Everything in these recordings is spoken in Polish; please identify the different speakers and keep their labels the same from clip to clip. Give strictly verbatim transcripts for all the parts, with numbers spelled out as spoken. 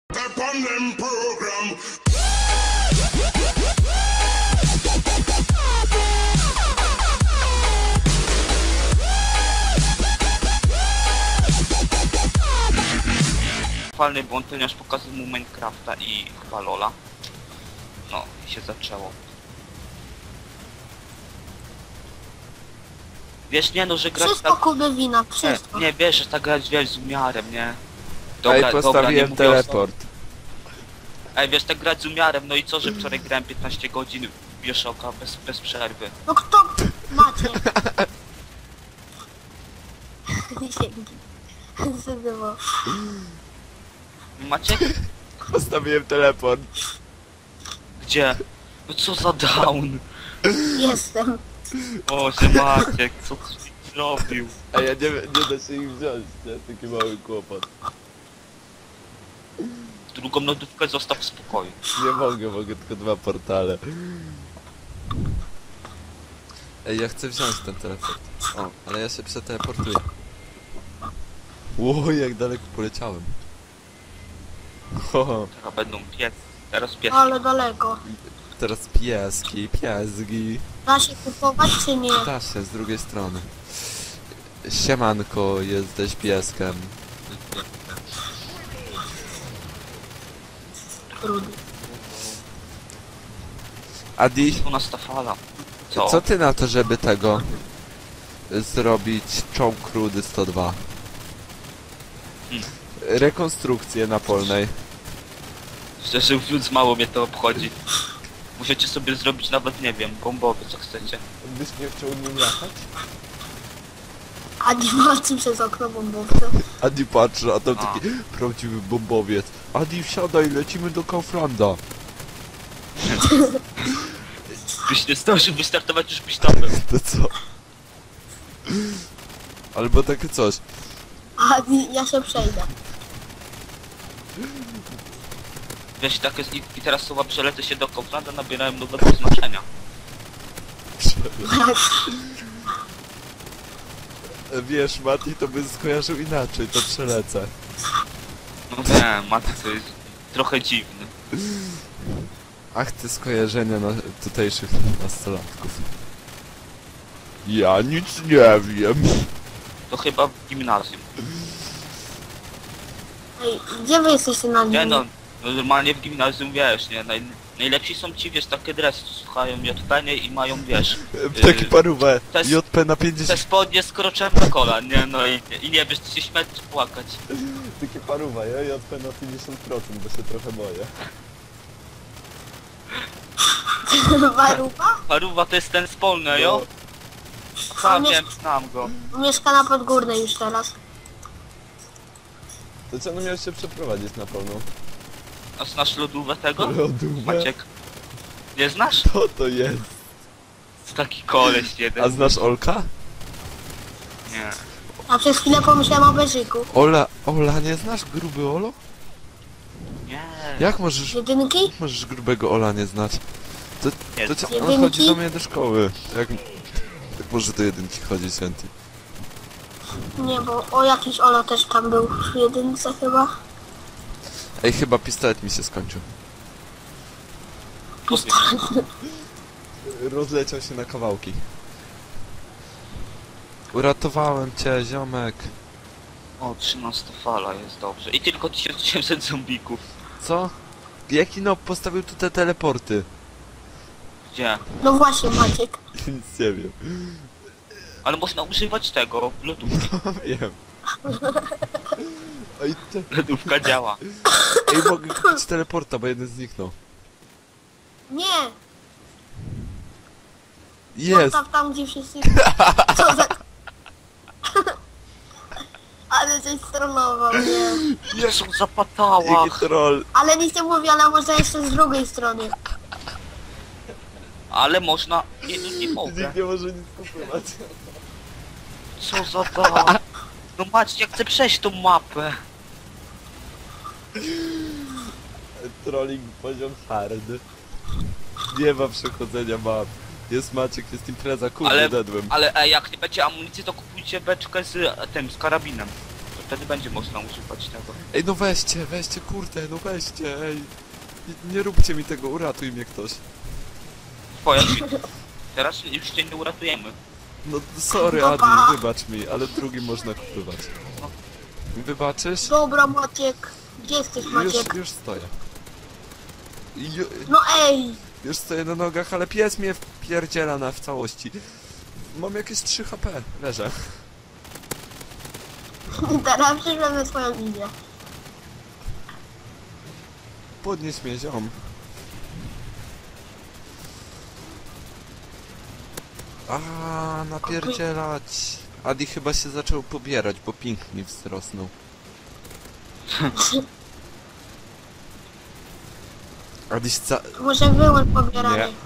Speaker 1: Upon them program.
Speaker 2: Falny błąd, ponieważ pokazał mu Minecrafta i chyba Lola. No i się zaczęło. Wiesz, nie no, że grać
Speaker 3: Wszystko
Speaker 2: tak...
Speaker 3: Kuby wina, wszystko.
Speaker 2: Nie, nie wiesz, że tak grać wiesz z umiarem, nie?
Speaker 4: Ej,
Speaker 2: dobra,
Speaker 4: postawiłem
Speaker 2: nie
Speaker 4: teleport.
Speaker 2: O... Ej, wiesz, tak grać z umiarem, no i co, że wczoraj grałem piętnaście godzin Bioshocka bez, bez przerwy.
Speaker 3: No kto? Macie. Dzięki. Zadymo.
Speaker 2: Macie?
Speaker 4: Postawiłem teleport.
Speaker 2: Gdzie? No co za down?
Speaker 3: Jestem.
Speaker 2: Boże Maciek, co ty zrobił?
Speaker 4: A ja nie, nie da się ich wziąć, nie? Taki mały kłopot.
Speaker 2: Drugą lodówkę zostaw w spokoju.
Speaker 4: Nie mogę, mogę tylko dwa portale. Ej, ja chcę wziąć ten teleport. O, ale ja się przeteleportuję. Ło, jak daleko poleciałem. Ho,
Speaker 2: Teraz będą pies. Teraz pies.
Speaker 3: Ale daleko.
Speaker 4: teraz pieski, piesgi.
Speaker 3: Da się kupować czy nie?
Speaker 4: Da się, z drugiej strony. Siemanko, jesteś pieskiem.
Speaker 3: Trudno.
Speaker 4: Adi,
Speaker 2: U nas ta fala. Co?
Speaker 4: co ty na to, żeby tego zrobić czołg Rudy sto dwa?
Speaker 2: Hmm.
Speaker 4: Rekonstrukcję napolnej.
Speaker 2: Szczerze mówiąc, mało mnie to obchodzi. Musicie sobie zrobić nawet, nie wiem, bombowy, co chcecie.
Speaker 4: Byś nie chciał nim latać?
Speaker 3: A nie walczy przez okno bombowce.
Speaker 4: Adi patrzy, a tam
Speaker 2: A.
Speaker 4: taki prawdziwy bombowiec. Adi, wsiadaj, lecimy do Kauflanda.
Speaker 2: Byś nie zdążył wystartować, już byś tam był.
Speaker 4: To co? Albo takie coś.
Speaker 3: A ja się przejdę.
Speaker 2: Wiesz, tak jest i, i teraz słowa przelety się do Kauflanda nabierają nowego znaczenia.
Speaker 4: Wiesz, Mati to by skojarzył inaczej, to przelecę.
Speaker 2: No nie, Maty to jest trochę dziwny.
Speaker 4: Ach, te skojarzenia na tutejszych nastolatków. Ja nic nie wiem.
Speaker 2: To chyba w gimnazjum.
Speaker 3: Ej, gdzie wy jesteście na
Speaker 2: Nie
Speaker 3: nim?
Speaker 2: no, no normalnie w gimnazjum wiesz, nie? Naj, najlepsi są ci, wiesz, takie dresy, co słuchają J P nie i mają, wiesz...
Speaker 4: Taki
Speaker 2: yy,
Speaker 4: parówę.
Speaker 2: to jest-
Speaker 4: J P na
Speaker 2: Te
Speaker 4: pięćdziesiąt.
Speaker 2: spodnie z kroczem na kolan, nie? No i, i nie wiesz, czy się śmiać, czy płakać.
Speaker 4: Takie parówa, ja J P na pięćdziesiąt procent, bo się trochę boję.
Speaker 3: Waruba?
Speaker 2: Paruwa to jest ten spolny,
Speaker 4: No.
Speaker 2: jo?
Speaker 3: On
Speaker 2: Sam
Speaker 3: jest-
Speaker 2: wiem, znam go.
Speaker 3: Mieszka na Podgórnej już teraz.
Speaker 4: To co, no miałeś się przeprowadzić na pełną?
Speaker 2: A znasz lodówę tego?
Speaker 4: Lodówę?
Speaker 2: Maciek. Nie znasz?
Speaker 4: Co to jest?
Speaker 2: To taki koleś jeden.
Speaker 4: A znasz Olka?
Speaker 2: Nie.
Speaker 3: A przez chwilę pomyślałem o Beżyku.
Speaker 4: Ola, Ola, nie znasz gruby Olo?
Speaker 2: Nie.
Speaker 4: Jak możesz,
Speaker 3: Jedynki?
Speaker 4: możesz grubego Ola nie znać? To,
Speaker 2: Nie
Speaker 4: to co,
Speaker 3: Jedynki?
Speaker 4: on chodzi do mnie do szkoły. Jak, jak może do jedynki chodzi, Święty?
Speaker 3: Nie, bo o jakiś Olo też tam był w jedynce chyba.
Speaker 4: Ej, chyba pistolet mi się skończył.
Speaker 3: Pistolet.
Speaker 4: Rozleciał się na kawałki. Uratowałem cię, ziomek.
Speaker 2: O, trzynasta fala jest dobrze. I tylko tysiąc osiemset zombików.
Speaker 4: Co? Jaki no postawił tu te teleporty?
Speaker 2: Gdzie?
Speaker 3: No właśnie Maciek.
Speaker 4: Nic nie wiem.
Speaker 2: Ale można używać tego, lodówki.
Speaker 4: Wiem. Ej, te...
Speaker 2: Lodówka działa.
Speaker 4: Ej, mogę kupić teleporta, bo jeden zniknął.
Speaker 3: Nie!
Speaker 4: Jest!
Speaker 3: Tam, tam gdzie wszyscy... Co za... Ale coś strollował, nie.
Speaker 2: Jezu, zapatała.
Speaker 4: Jaki troll.
Speaker 3: Ale nic nie mówi, ale można jeszcze z drugiej strony.
Speaker 2: Ale można... Nie, no nie mogę.
Speaker 4: Nikt nie może nic kupować.
Speaker 2: Co za da... No Maciek, jak chcę przejść tą mapę.
Speaker 4: Trolling poziom hard. Nie ma przechodzenia map. Jest Maciek, jest impreza, kurde,
Speaker 2: Ale,
Speaker 4: dedłem.
Speaker 2: ale e, jak nie będzie amunicji, to kupujcie beczkę z e, tym, z karabinem. wtedy będzie można używać tego.
Speaker 4: Ej, no weźcie, weźcie, kurde, no weźcie, ej. Nie, nie róbcie mi tego, uratuj mnie ktoś.
Speaker 2: Twoja teraz już cię nie uratujemy.
Speaker 4: No sorry
Speaker 3: No
Speaker 4: Adi,
Speaker 3: pa.
Speaker 4: wybacz mi, ale drugi można kupywać. Wybaczysz?
Speaker 3: Dobra, Maciek. Gdzie jesteś,
Speaker 4: Już,
Speaker 3: Maciek?
Speaker 4: już stoję. Ju,
Speaker 3: No ej!
Speaker 4: już stoję na nogach, ale pies mnie wpierdziela na w całości. Mam jakieś trzy H P, leżę.
Speaker 3: Teraz przyszłem na swoją linię.
Speaker 4: Podnieś mnie, ziom. A, napierdzielać. Adi chyba się zaczął pobierać, bo ping mi wzrosnął. Adi ca...
Speaker 3: Może wyłącz pobieranie.
Speaker 4: Nie.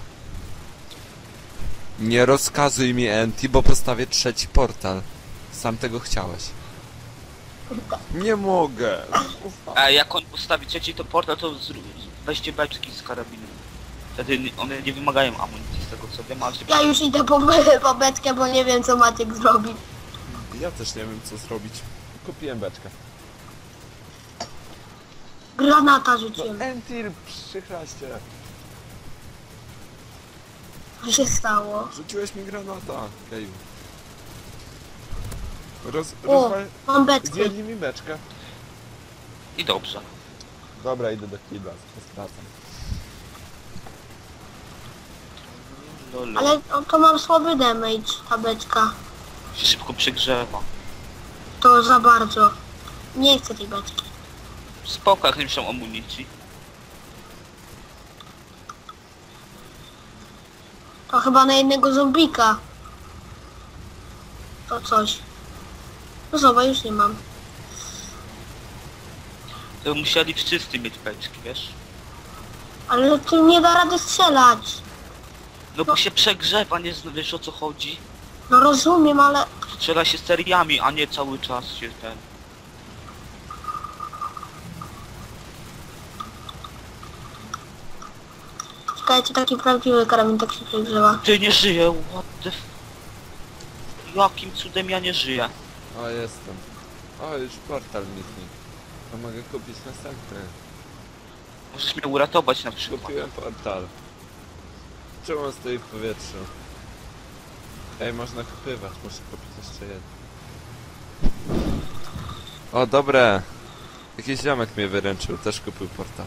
Speaker 4: Nie rozkazuj mi, Enti, bo postawię trzeci portal. Sam tego chciałeś. Nie mogę.
Speaker 2: A jak on postawi trzeci to portal, to zró- weźcie beczki z karabinem. Wtedy nie- one nie wymagają amunicji z tego co wiem, ale się...
Speaker 3: Ja już idę po, po beczkę, bo nie wiem co Maciek zrobi.
Speaker 4: Ja też nie wiem co zrobić. Kupiłem beczkę.
Speaker 3: Granata rzuciłem.
Speaker 4: Entil, przychraście.
Speaker 3: Co się stało?
Speaker 4: Rzuciłeś mi granata. Keju. Roz...
Speaker 3: O,
Speaker 4: rozwal...
Speaker 3: mam beczkę.
Speaker 4: Zdjęli mi beczkę.
Speaker 2: I dobrze.
Speaker 4: Dobra, idę do kibla, stracam.
Speaker 2: Lolo.
Speaker 3: Ale o, to mam słaby damage, ta beczka.
Speaker 2: Się szybko przegrzewa.
Speaker 3: To za bardzo. Nie chcę tej beczki.
Speaker 2: Spoko, jak nie muszą amunicji.
Speaker 3: To chyba na jednego zombika. To coś. No zobacz, już nie mam.
Speaker 2: To musieli wszyscy mieć beczki, wiesz?
Speaker 3: Ale tu nie da rady strzelać.
Speaker 2: No bo się przegrzewa, nie zna- wiesz o co chodzi?
Speaker 3: No rozumiem, ale...
Speaker 2: Strzela się seriami, a nie cały czas się ten...
Speaker 3: Czekajcie, taki prawdziwy karabin tak się przegrzewa.
Speaker 2: Ty nie żyję, what the f... Jakim cudem ja nie żyję?
Speaker 4: O, jestem. O, już portal mi znikł. To mogę kupić następny.
Speaker 2: Możesz mnie uratować na przykład.
Speaker 4: Kupiłem portal. Czemu on stoi w powietrzu? Ej, można kupywać, muszę kupić jeszcze jeden. O, dobre. Jakiś ziomek mnie wyręczył, też kupił portal.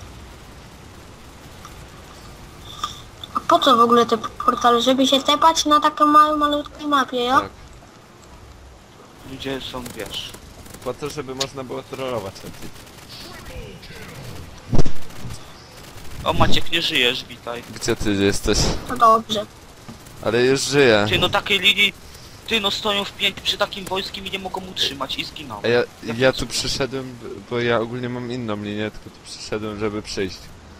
Speaker 3: A po co w ogóle te portale? Żeby się tepać na takiej małej, malutkiej mapie, ja?
Speaker 4: Tak.
Speaker 2: Ludzie są, wiesz...
Speaker 4: Po to, żeby można było trollować lepiej.
Speaker 2: O Maciek, nie żyjesz, witaj.
Speaker 4: Gdzie ty jesteś?
Speaker 3: To dobrze.
Speaker 4: Ale już żyję.
Speaker 2: Ty no takiej linii... Ty no stoją w pięć przy takim wojskiem i nie mogą utrzymać i zginął.
Speaker 4: A ja, ja tu przyszedłem, bo ja ogólnie mam inną linię, tylko tu przyszedłem, żeby przyjść.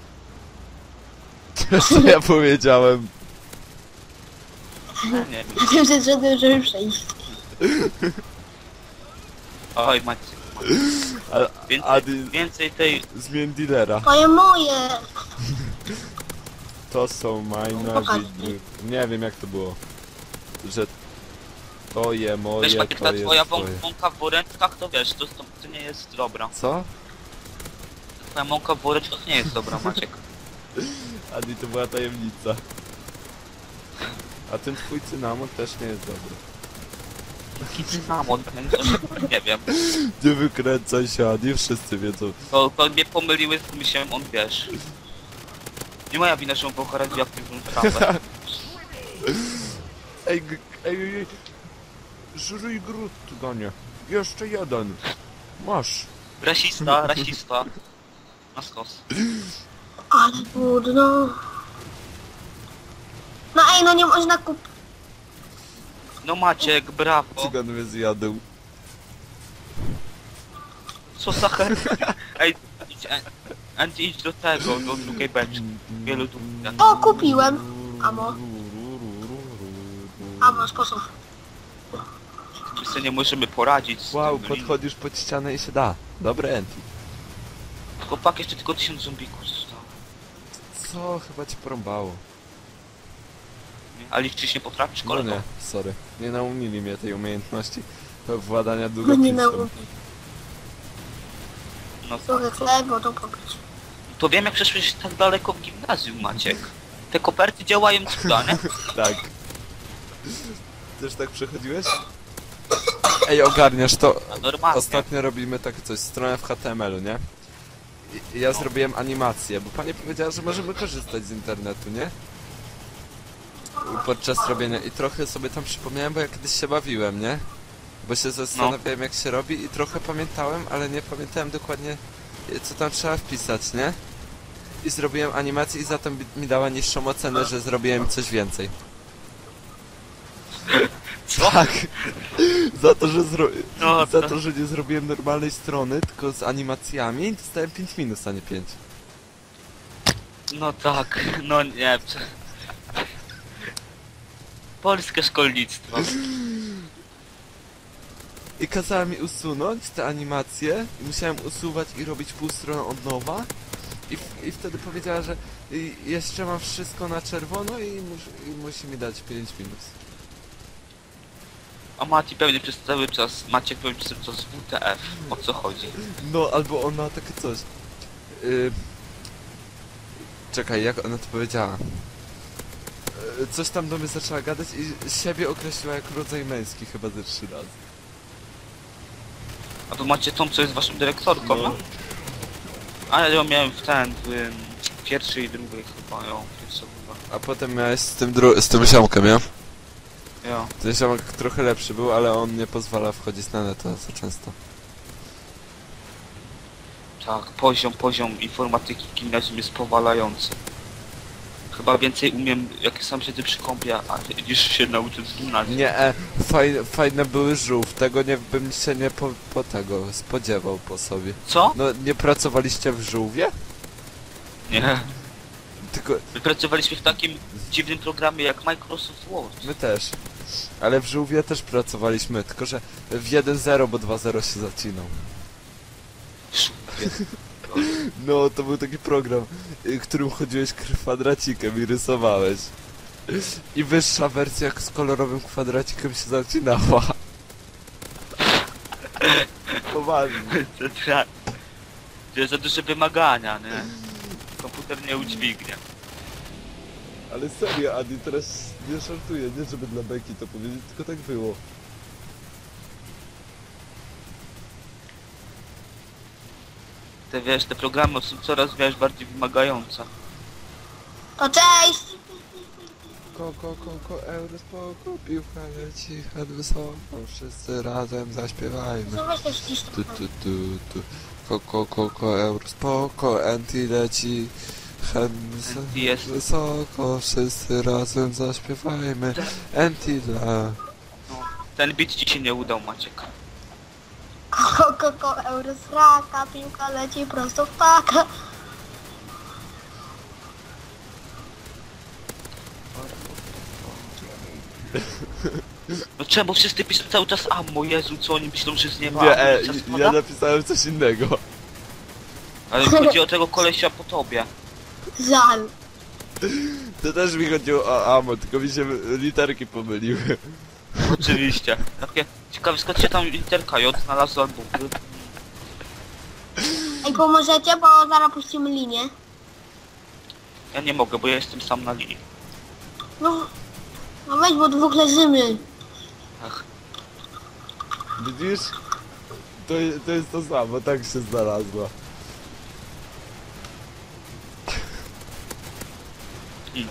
Speaker 4: Co ja powiedziałem?
Speaker 2: Nie wiem.
Speaker 3: Tym się zszedłem, żeby przejść.
Speaker 2: Oj Maciek.
Speaker 4: Ale
Speaker 2: Więcej,
Speaker 4: Adi,
Speaker 2: więcej tej...
Speaker 4: zmień dealera.
Speaker 3: To jest moje!
Speaker 4: To są majna
Speaker 3: Pokaż
Speaker 4: widły. Nie wiem jak to było. Że to je moje,
Speaker 2: Wiesz Maciek,
Speaker 4: to
Speaker 2: ta
Speaker 4: jest
Speaker 2: twoja
Speaker 4: twoje.
Speaker 2: wą- mąka w woreczkach to wiesz, to, to, to nie jest dobra.
Speaker 4: Co?
Speaker 2: Twoja mąka w woreczkach nie jest dobra, Maciek.
Speaker 4: Adi, to była tajemnica. A ten twój cynamon też nie jest dobry.
Speaker 2: Jaki cynamon, nie wiem.
Speaker 4: Nie wykręcaj się, Adi, wszyscy wiedzą.
Speaker 2: To, to mnie pomyliły z myślałem, on wiesz. Nie moja wina, że on był radioaktywną trawę.
Speaker 4: Ej, g- ej, ej, ej. Żryj grud, Ganie. Jeszcze jeden. Masz.
Speaker 2: Rasista, rasista. Na stos.
Speaker 3: Ale trudno. No ej, no nie można kupić.
Speaker 2: No Maciek, brawo.
Speaker 4: Cygan mnie zjadł.
Speaker 2: Co za her... Ej, idź, e- Andy, idź do tego, do drugiej beczki. Wielu tu...
Speaker 3: O, kupiłem. Amo. Amo, sposób.
Speaker 2: My sobie nie możemy poradzić z
Speaker 4: Wow,
Speaker 2: tym.
Speaker 4: podchodzisz pod ścianę i się da. Dobre Enti.
Speaker 2: Chłopak, jeszcze tylko tysiąc zombików zostało.
Speaker 4: Co? Chyba ci porąbało.
Speaker 2: Nie? A liczyć nie potrafisz,
Speaker 4: No
Speaker 2: kolego?
Speaker 4: nie, sorry. Nie nauczyli mnie tej umiejętności władania
Speaker 3: No nie
Speaker 4: długopisem.
Speaker 3: nauczyli.
Speaker 2: No
Speaker 3: Suchy chleb, bo to popić.
Speaker 2: to wiem jak przeszłeś tak daleko w gimnazjum, Maciek. Te koperty działają cuda, nie?
Speaker 4: Tak. Też tak przechodziłeś? Ej, ogarniasz to.
Speaker 2: A normalnie.
Speaker 4: Ostatnio robimy takie coś, stronę w H T M L-u, nie? I ja zrobiłem animację, bo pani powiedziała, że możemy korzystać z internetu, nie? Podczas robienia i trochę sobie tam przypomniałem, bo ja kiedyś się bawiłem, nie? Bo się zastanawiałem jak się robi i trochę pamiętałem, ale nie pamiętałem dokładnie co tam trzeba wpisać, nie? I zrobiłem animację i za to mi dała niższą ocenę, że zrobiłem coś więcej.
Speaker 2: Co?
Speaker 4: Tak. Za to, że zro...
Speaker 2: No,
Speaker 4: za
Speaker 2: to-
Speaker 4: to, że nie zrobiłem normalnej strony, tylko z animacjami, dostałem pięć minus, a nie pięć.
Speaker 2: No tak, no nie. Polskie szkolnictwo.
Speaker 4: I kazała mi usunąć te animacje i musiałem usuwać i robić pół strony od nowa. I, w, i wtedy powiedziała, że y, jeszcze mam wszystko na czerwono i, mus, i musi mi dać pięć minus.
Speaker 2: A Mati pewnie przez cały czas, Maciek pewnie przez cały czas W T F. O co chodzi?
Speaker 4: No, albo ona takie coś. Y... Czekaj, jak ona to powiedziała? Y, Coś tam do mnie zaczęła gadać i siebie określiła jak rodzaj męski chyba ze trzy razy.
Speaker 2: A tu macie tą, co jest waszą dyrektorką, no? A ja ją miałem w ten, w ym, pierwszej i drugiej chyba, ją, pierwsza chyba.
Speaker 4: A potem miałeś z tym dru z tym ziomkiem, ja?
Speaker 2: Jo.
Speaker 4: Ten ziomek trochę lepszy był, ale on nie pozwala wchodzić na net za często.
Speaker 2: Tak, poziom, poziom informatyki w gimnazjum jest powalający. Chyba więcej umiem, jak sam siedzę przy kąpie, a niż się nauczyć z gimnazjum.
Speaker 4: Nie, e, fajne, fajne były żółw, tego nie bym się nie po, po tego spodziewał po sobie.
Speaker 2: Co?
Speaker 4: No, nie pracowaliście w żółwie?
Speaker 2: Nie.
Speaker 4: Tylko
Speaker 2: My pracowaliśmy w takim dziwnym programie jak Microsoft Word.
Speaker 4: my też. Ale w żółwie też pracowaliśmy, tylko że w jeden zero, bo dwa zero się zacinał. No, to był taki program, y, którym chodziłeś kwadracikiem i rysowałeś. I wyższa wersja z kolorowym kwadracikiem się zacinała. Poważnie.
Speaker 2: To tra- To jest za duże wymagania, nie? Komputer nie udźwignie.
Speaker 4: Ale serio, Adi, teraz nie żartuję, nie żeby dla beki to powiedzieć, tylko tak było.
Speaker 2: Te wiesz, te programy są coraz wiesz, bardziej wymagające.
Speaker 3: To cześć!
Speaker 4: Koko, koko, euro, spoko, piłka leci, head wysoko, wszyscy razem zaśpiewajmy.
Speaker 3: Co weź też ścisz
Speaker 4: Tu, tu, tu, tu. Koko, koko, euro, spoko, anti leci, head
Speaker 2: Anti jest.
Speaker 4: wysoko, wszyscy razem zaśpiewajmy, anti dla...
Speaker 2: Ten bit ci się nie udał, Maciek.
Speaker 3: Koko, koko, eurosraka, piłka leci prosto w paka.
Speaker 2: No czemu wszyscy piszą cały czas ammo, Jezu, co oni myślą, że z nieba
Speaker 4: Nie, e,
Speaker 2: amunicja
Speaker 4: ja
Speaker 2: spada?
Speaker 4: napisałem coś innego.
Speaker 2: Ale chodzi o tego kolesia po tobie.
Speaker 3: Żal.
Speaker 4: To też mi chodziło o amo, tylko mi się literki pomyliły.
Speaker 2: Oczywiście. Takie ciekawe, skąd się tam literka J znalazła albo...
Speaker 3: Ej, pomożecie, bo zaraz puścimy linię.
Speaker 2: Ja nie mogę, bo ja jestem sam na linii.
Speaker 3: No, no weź, bo dwóch leżymy.
Speaker 2: Ach,
Speaker 4: Widzisz? To, to jest to samo, tak się znalazła.
Speaker 2: hmm.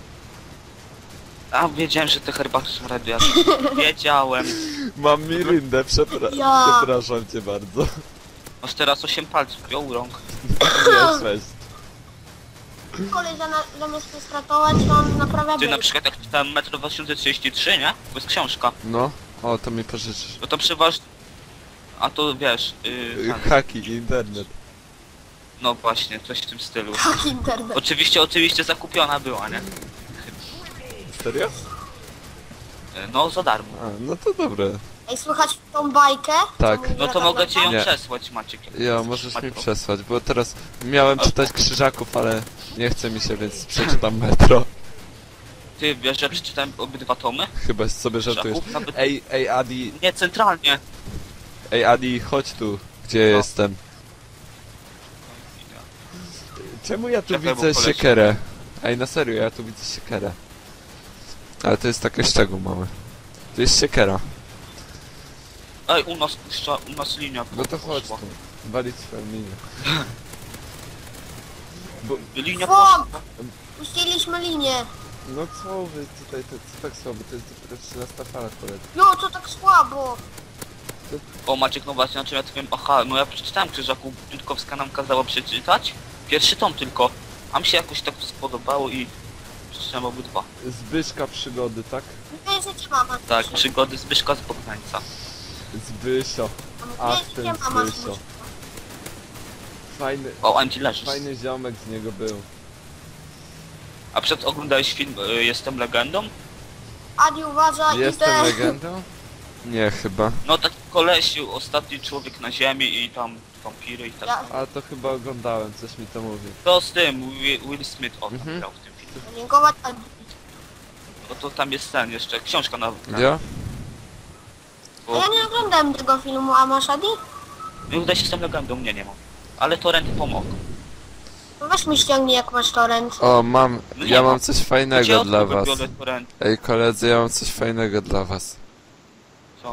Speaker 2: A, wiedziałem, że te herbaty są radioaktywne. Wiedziałem.
Speaker 4: Mam miryndę, przepra
Speaker 3: Ja.
Speaker 4: przepraszam cię bardzo.
Speaker 2: Masz teraz osiem palców, ją rąk.
Speaker 4: Nie, sześć.
Speaker 3: Kolej zamiast, zamiast stratować, to on naprawia
Speaker 2: Ty na
Speaker 3: bryk.
Speaker 2: przykład jak czytałem Metro dwa tysiące trzydzieści trzy, nie? To jest książka.
Speaker 4: No, o, to mi pożyczysz.
Speaker 2: No to przeważnie... A to wiesz, yy, tak.
Speaker 4: Haki, internet.
Speaker 2: No właśnie, coś w tym stylu.
Speaker 3: Tak, internet.
Speaker 2: Oczywiście, oczywiście zakupiona była, nie?
Speaker 4: Serio?
Speaker 2: Yy, No za darmo.
Speaker 4: A, no to dobre.
Speaker 3: Ej, słychać tą bajkę?
Speaker 4: Tak.
Speaker 3: Co mówi
Speaker 2: No to
Speaker 3: tata
Speaker 2: mogę ci ją
Speaker 4: Nie.
Speaker 2: przesłać, Maciek. jak
Speaker 4: Ja,
Speaker 2: chcesz,
Speaker 4: możesz mi
Speaker 2: Matko.
Speaker 4: przesłać, bo teraz miałem czytać Krzyżaków, ale nie chce mi się, więc przeczytam Metro.
Speaker 2: Ty wiesz, że przeczytałem obydwa tomy?
Speaker 4: Chyba sobie żartujesz.
Speaker 2: Krzyżaków? Nawet...
Speaker 4: Ej, ej Adi,
Speaker 2: Nie, centralnie.
Speaker 4: ej Adi, chodź tu, gdzie
Speaker 2: No.
Speaker 4: jestem. Czemu ja tu
Speaker 2: Czekaj, bo
Speaker 4: widzę
Speaker 2: poleci.
Speaker 4: siekierę? Ej, na serio, ja tu widzę siekierę. Ale to jest taki szczegół mały. To jest siekiera.
Speaker 2: Ej, u nas puszcza, u nas linia
Speaker 4: No to chodź
Speaker 2: poszła.
Speaker 4: tu. Walić swoją linię. Bo,
Speaker 2: Linia
Speaker 3: Fok!
Speaker 2: poszła.
Speaker 3: Puściliśmy linię.
Speaker 4: no co wy tutaj, to, to tak słabo, to jest dopiero trzynasta fala koledzy.
Speaker 3: No, to tak słabo.
Speaker 2: O Maciek, no właśnie, znaczy ja to wiem, aha, no ja przeczytałem Krzyżaku, Dudkowska nam kazała przeczytać. Pierwszy tom tylko. A mi się jakoś tak spodobało i przeczytałem obydwa.
Speaker 4: Zbyszka przygody, tak?
Speaker 3: Mówię, że cię mama
Speaker 2: Tak,
Speaker 3: słyszy.
Speaker 2: przygody Zbyszka z Bogdańca.
Speaker 4: Zbysio.
Speaker 3: Mówię,
Speaker 4: Ach,
Speaker 3: że
Speaker 4: ten
Speaker 3: cię mama
Speaker 4: Zbysio.
Speaker 3: słyszy.
Speaker 4: Fajny,
Speaker 2: O, Anci leżysz.
Speaker 4: fajny ziomek z niego był.
Speaker 2: A przed oglądałeś film y, Jestem legendą?
Speaker 3: Adi, uważaj,
Speaker 4: Jestem
Speaker 3: idę.
Speaker 4: legendą? Nie, chyba.
Speaker 2: No taki kolesiu, ostatni człowiek na ziemi i tam wampiry i tak.
Speaker 3: Ja
Speaker 4: A to chyba oglądałem, coś mi to mówi.
Speaker 2: To z tym, Will, Will Smith o, tam
Speaker 4: Mhm.
Speaker 2: grał w tym filmie.
Speaker 3: dziękować Adi.
Speaker 2: No to tam jest ten jeszcze, książka na... na
Speaker 4: Ja?
Speaker 3: A ja nie oglądałem tego filmu, a masz Adi?
Speaker 2: Nie uda się Jestem legendą, mnie nie mam. Ale torrenty pomogą.
Speaker 3: No weź mi ściągnij, jak masz torrent.
Speaker 4: O, mam,
Speaker 2: No nie
Speaker 4: ja
Speaker 2: ma.
Speaker 4: mam coś
Speaker 2: Gdzie
Speaker 4: fajnego
Speaker 2: od
Speaker 4: dla
Speaker 2: kogo
Speaker 4: was.
Speaker 2: biorę torrenty?
Speaker 4: Ej koledzy, ja mam coś fajnego dla was.
Speaker 2: Co?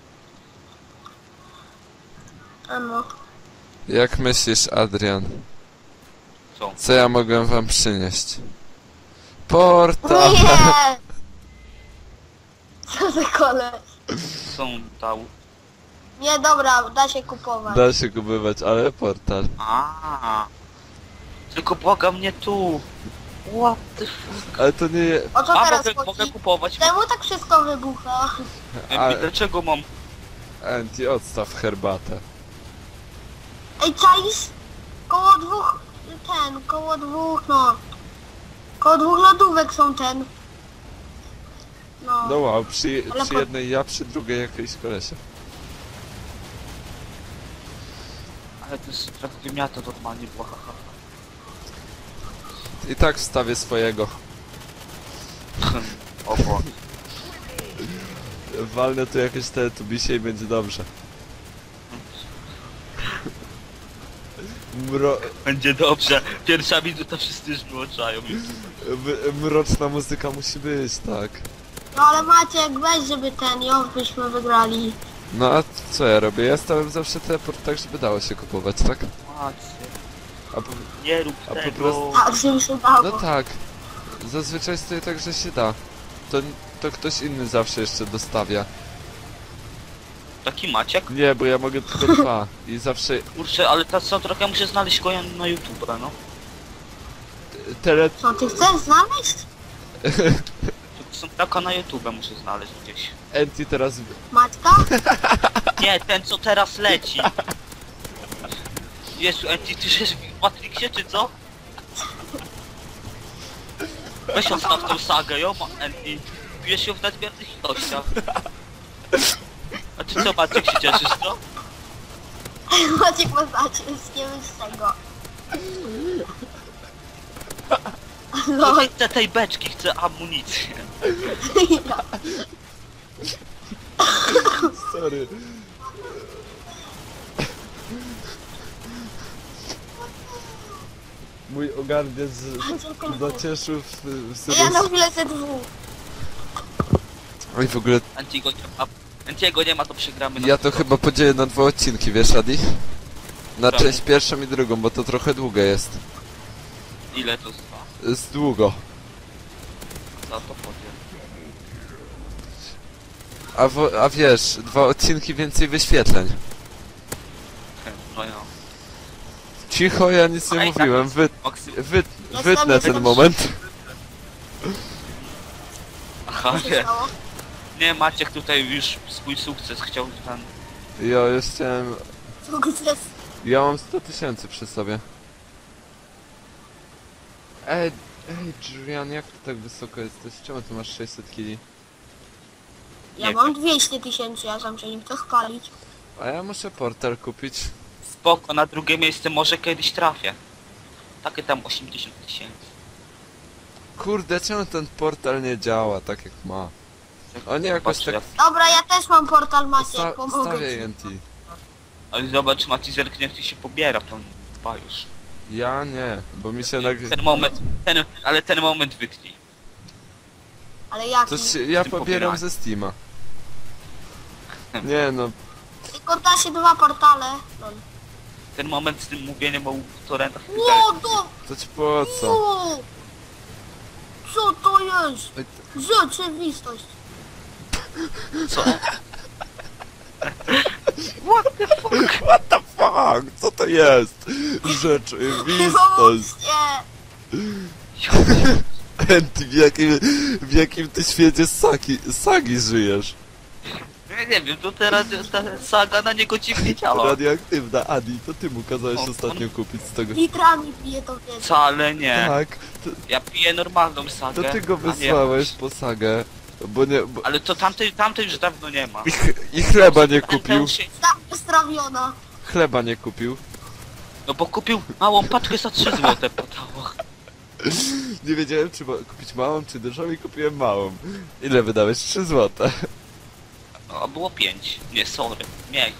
Speaker 3: A no.
Speaker 4: Jak myślisz, Adrian?
Speaker 2: Co?
Speaker 4: Co ja mogłem wam przynieść? Portal!
Speaker 3: Nie! Co za koleś?
Speaker 2: Są dał.
Speaker 3: Nie, dobra, da się kupować.
Speaker 4: Da się kupować, ale portal.
Speaker 2: A. Tylko błagam mnie tu. What the fuck?
Speaker 4: Ale to nie...
Speaker 3: O co
Speaker 2: A
Speaker 3: teraz
Speaker 2: mogę,
Speaker 3: chodzi?
Speaker 2: mogę kupować.
Speaker 3: Czemu tak wszystko wybucha?
Speaker 4: A-
Speaker 2: Dlaczego mam?
Speaker 4: Anti, odstaw herbatę.
Speaker 3: Ej, czaisz? Koło dwóch... ten, koło dwóch, no... Koło dwóch lodówek są ten. No.
Speaker 4: No wow, przy,
Speaker 3: Ale
Speaker 4: przy
Speaker 3: po-
Speaker 4: jednej ja, przy drugiej jakiejś kolesia.
Speaker 2: Ale to jest tak wymiata normalnie była, haha.
Speaker 4: I tak wstawię swojego.
Speaker 2: O Boże.
Speaker 4: Walnę tu jakieś teletubisie i będzie dobrze. Mro...
Speaker 2: Będzie dobrze. Pierwsza minuta wszyscy już wyłączają.
Speaker 4: m- Mroczna muzyka musi być, tak.
Speaker 3: No ale Maciek, weź, żeby ten, ją byśmy wygrali.
Speaker 4: No a co ja robię? Ja stawiam zawsze teleport tak, żeby dało się kupować, tak?
Speaker 2: Macie.
Speaker 4: A po...
Speaker 2: Nie rób
Speaker 4: A po
Speaker 2: tego.
Speaker 4: prostu-
Speaker 3: Tak, żeby się dało.
Speaker 4: No tak. Zazwyczaj stoi tak, że się da. To, to ktoś inny zawsze jeszcze dostawia.
Speaker 2: Taki Maciek?
Speaker 4: Nie, bo ja mogę tylko dwa. I zawsze
Speaker 2: Kurczę, ale ta soundtrack ja muszę znaleźć go na YouTube, no.
Speaker 4: tele...
Speaker 3: Co, ty chcesz znaleźć?
Speaker 2: Soundtracka na YouTube muszę znaleźć gdzieś.
Speaker 4: Anti teraz...
Speaker 3: Maćka?
Speaker 2: Nie, ten co teraz leci. Jezu, Anti, ty żyjesz w Matrixie, czy co? Weź odstaw tą sagę, jo, ma- Anti. Pijesz ją w nadmiernych ilościach. A ty co, Maciek, się cieszysz, co?
Speaker 3: Maciek ma znaczy z nie z tego.
Speaker 2: No
Speaker 3: No,
Speaker 2: nie chcę tej beczki, chcę amunicję.
Speaker 4: Sorry. Mój ogarniec zacieszył w, w
Speaker 3: ja na
Speaker 4: sobie...
Speaker 3: chwilę ze dwóch.
Speaker 4: Oj, w ogóle
Speaker 2: Antiego nie ma, Antiego nie ma, to przegramy na
Speaker 4: ja to chyba podzielę na dwa odcinki, wiesz, Adi? Na
Speaker 2: Czemu?
Speaker 4: część pierwszą i drugą, bo to trochę długie jest.
Speaker 2: Ile to trwa?
Speaker 4: Jest długo.
Speaker 2: Za to powiem.
Speaker 4: A, wo, a wiesz, dwa odcinki więcej wyświetleń.
Speaker 2: No ja.
Speaker 4: Cicho, ja nic nie
Speaker 2: A i tak
Speaker 4: mówiłem.
Speaker 2: jest
Speaker 4: Wy,
Speaker 2: Maksy...
Speaker 4: wy,
Speaker 3: Ja
Speaker 4: wytnę
Speaker 3: sam nie
Speaker 4: ten
Speaker 3: wiem.
Speaker 4: moment.
Speaker 2: Aha,
Speaker 3: Co się
Speaker 2: nie.
Speaker 3: stało?
Speaker 2: Nie, Maciek tutaj już swój sukces chciał ten...
Speaker 4: Ja już chciałem...
Speaker 3: Sukces.
Speaker 4: Ja mam sto tysięcy przy sobie. Ej, ej, Julian, jak ty tak wysoko jesteś? Czemu ty masz sześćset kili?
Speaker 3: Ja
Speaker 2: Nie
Speaker 3: mam dwieście tysięcy, ja sam się nie chcę spalić.
Speaker 4: A ja muszę portal kupić.
Speaker 2: Spoko, na drugie miejsce może kiedyś trafię. Takie tam osiemdziesiąt tysięcy.
Speaker 4: Kurde, czemu ten portal nie działa tak jak ma? O nie, jakoś
Speaker 2: Patrzę,
Speaker 4: tak...
Speaker 2: jak-
Speaker 3: Dobra, ja też mam portal Maciek,
Speaker 4: Sta
Speaker 3: pomogę
Speaker 4: stawię
Speaker 3: ci.
Speaker 4: N T.
Speaker 2: Ale zobacz, Maci zerknie, jak ci się pobiera, to dwa już.
Speaker 4: Ja nie, bo mi się nag...
Speaker 2: Ten moment, ten, ale ten moment wytnij.
Speaker 3: Ale jaki?
Speaker 4: To się, ja
Speaker 2: tym
Speaker 4: pobieram
Speaker 2: pobieraniu.
Speaker 4: ze Steama. Nie no,
Speaker 3: Tylko da się dwa portale. No.
Speaker 2: Ten moment z tym mówieniem o torrentach. i tak
Speaker 3: Ło,
Speaker 2: dalej.
Speaker 3: to...
Speaker 4: to ci po co?
Speaker 3: Ło! Co to jest?
Speaker 4: Ej,
Speaker 3: Rzeczywistość.
Speaker 2: Co? What the fuck?
Speaker 4: What the fuck? Co to jest? Rzeczywistość.
Speaker 3: Nie.
Speaker 4: Ty w jakim, w jakim ty świecie sagi, sagi żyjesz?
Speaker 2: Ja nie wiem, to teraz ta saga na niego dziwnie działa.
Speaker 4: Radioaktywna, Adi, to ty mu kazałeś
Speaker 2: O,
Speaker 4: ostatnio kupić z tego...
Speaker 3: Litrami pije to wiesz.
Speaker 2: Wcale nie.
Speaker 4: Tak, to,
Speaker 2: Ja piję normalną sagę.
Speaker 4: to ty go
Speaker 2: a nie
Speaker 4: wysłałeś
Speaker 2: jakąś.
Speaker 4: po sagę, bo nie... Bo...
Speaker 2: Ale to tamtej, tamtej już dawno nie ma.
Speaker 4: I, ch I chleba nie kupił,
Speaker 2: Ten się-
Speaker 3: Tak strawiona.
Speaker 4: chleba nie kupił.
Speaker 2: No bo kupił małą paczkę za trzy złote podało.
Speaker 4: Nie wiedziałem, czy ma kupić małą, czy dużą i kupiłem małą. Ile wydałeś? trzy złote.
Speaker 2: A było pięć. Nie, sorry. Miej.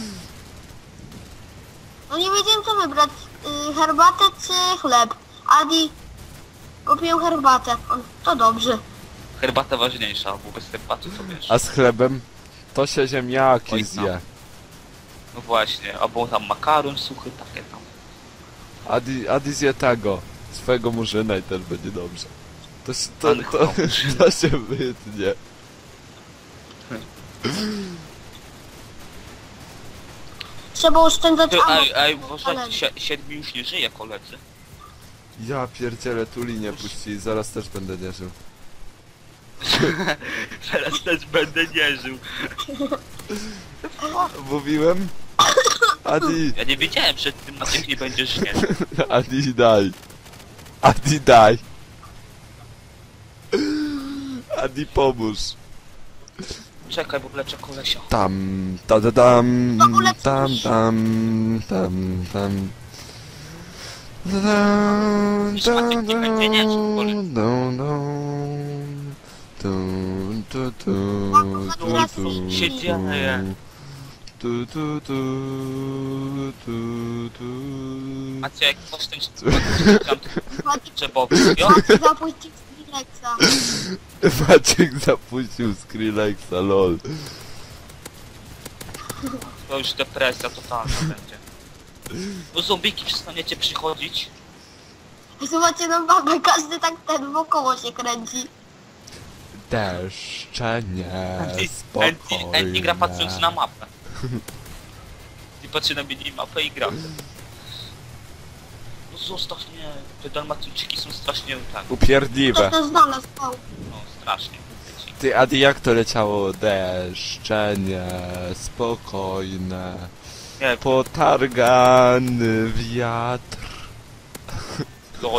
Speaker 3: No nie wiedziałem co wybrać. Y, herbatę czy chleb? Adi kupił herbatę. On, to dobrze.
Speaker 2: Herbata ważniejsza, bo bez herbaty to wiesz.
Speaker 4: A z chlebem? To się ziemniaki
Speaker 2: Oj,
Speaker 4: zje.
Speaker 2: No właśnie, albo tam makaron suchy, takie tam.
Speaker 4: Adi, Adi zje tego. Swojego murzyna i też będzie dobrze. To, się- to,
Speaker 2: Pan
Speaker 4: to,
Speaker 2: chyba
Speaker 4: to,
Speaker 2: murzyna.
Speaker 4: to się wytnie.
Speaker 3: Trzeba oszczędzać
Speaker 2: Ty,
Speaker 3: ammo.
Speaker 2: ej, ej, uważaj,
Speaker 3: Ale-
Speaker 2: si siedmiu już nie żyje, koledzy.
Speaker 4: Ja pierdzielę, tu linię puści, zaraz też będę nie żył.
Speaker 2: Teraz też będę nie żył.
Speaker 4: Mówiłem? Adi,
Speaker 2: Ja nie wiedziałem przed tym, Maciek nie będziesz nie.
Speaker 4: Adi daj. Adi daj. Adi pomóż.
Speaker 2: Czekaj, bo leczę kolesia.
Speaker 4: Tam, ta da dam,
Speaker 3: To uleczysz.
Speaker 4: tam, tam, tam, tam. Da, da,
Speaker 2: Już
Speaker 4: da,
Speaker 2: Maciek nie będzie nie żył, Boże.
Speaker 4: da, da. Tu, tu, tu, tu, tu,
Speaker 2: się dzieje?
Speaker 4: tu, tu, tu, tu, tu.
Speaker 2: Maciek, coś ten tam
Speaker 3: Maciek
Speaker 2: trzebowy. Jo?
Speaker 3: zapuścił Skrillexa.
Speaker 4: Maciek zapuścił Skrillexa, lol.
Speaker 2: To już depresja totalna będzie. Bo zombiki przestaniecie przychodzić.
Speaker 3: Zobaczcie na babę, każdy tak ten wokoło się kręci.
Speaker 4: Deszcze nie,
Speaker 2: Andy, Andy gra patrząc na
Speaker 4: spokojnie.
Speaker 2: mapę. I patrzy na minimapę i gra. No zostaw mnie, te dalmatyńczyki są strasznie tak,
Speaker 3: Ktoś
Speaker 4: Upierdliwe.
Speaker 3: to znalazł. O.
Speaker 2: no strasznie.
Speaker 4: Ty, Adi, jak to leciało? Deszcze nie, spokojne.
Speaker 2: Nie,
Speaker 4: Potargany wiatr.
Speaker 2: lol.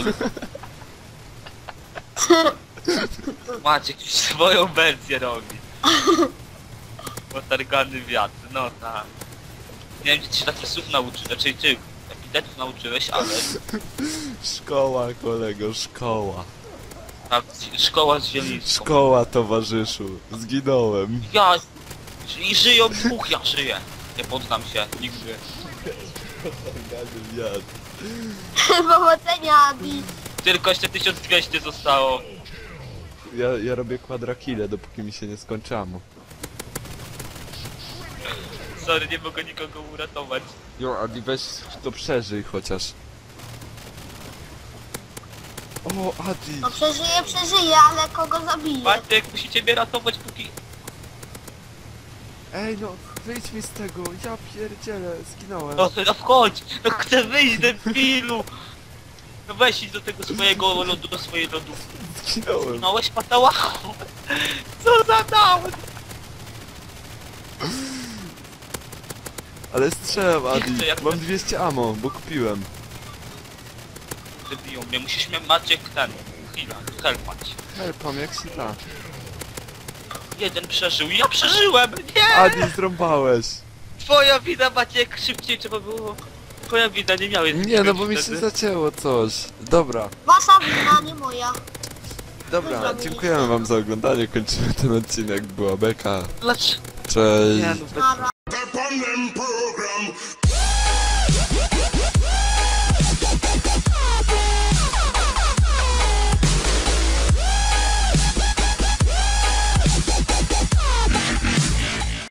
Speaker 2: Maciek już swoją wersję robi. Potargany wiatr, no tak. Nie wiem, czy ty się takich słów nauczyłeś, znaczy ty epitetów nauczyłeś, ale
Speaker 4: Szkoła, kolego, szkoła.
Speaker 2: tak, szkoła z Zielińską.
Speaker 4: Szkoła, towarzyszu. Zginąłem.
Speaker 2: Ja... I żyją dwóch, ja żyję. Nie poddam się, nigdy.
Speaker 4: Potargany wiatr.
Speaker 3: Powodzenia, Adi.
Speaker 2: Tylko jeszcze tysiąc dwieście zostało.
Speaker 4: Ja, ja robię quadrakile, dopóki mi się nie skończy ammo.
Speaker 2: Sorry, nie mogę nikogo uratować.
Speaker 4: Jo, Adi, weź to przeżyj chociaż. O, Adi!
Speaker 3: No przeżyje, przeżyje, ale kogo zabije?
Speaker 2: Bartek, musicie mnie ratować póki...
Speaker 4: Ej, no, wyjdź mi z tego, ja pierdzielę, zginąłem.
Speaker 2: No, no wchodź! No chcę wyjść, debilu! No weź idź do tego swojego lodu, do swojej lodówki.
Speaker 4: Zginąłem.
Speaker 2: Małeś patałachu! Co za down!
Speaker 4: Ale strzelam, Adi.
Speaker 2: Nie chcę, jak
Speaker 4: Mam
Speaker 2: to-
Speaker 4: dwieście ammo, bo kupiłem.
Speaker 2: Wybiją mnie, musisz mnie Maciek ten... Chwila, helpać.
Speaker 4: Helpam, jak się da.
Speaker 2: Jeden przeżył, ja przeżyłem! Nie!
Speaker 4: Adi, zrąbałeś.
Speaker 2: Twoja wina, Maciek, szybciej trzeba było... Twoja wina, nie miałeś...
Speaker 4: Nie, no bo mi się
Speaker 2: wtedy.
Speaker 4: zacięło coś. Dobra,
Speaker 3: Wasza wina, nie moja.
Speaker 4: dobra, dziękujemy wam za oglądanie, kończymy ten odcinek, była beka.
Speaker 2: Dlaczego?
Speaker 4: Cześć.
Speaker 2: Nie, no bez...
Speaker 3: Nara.
Speaker 1: Step on them program.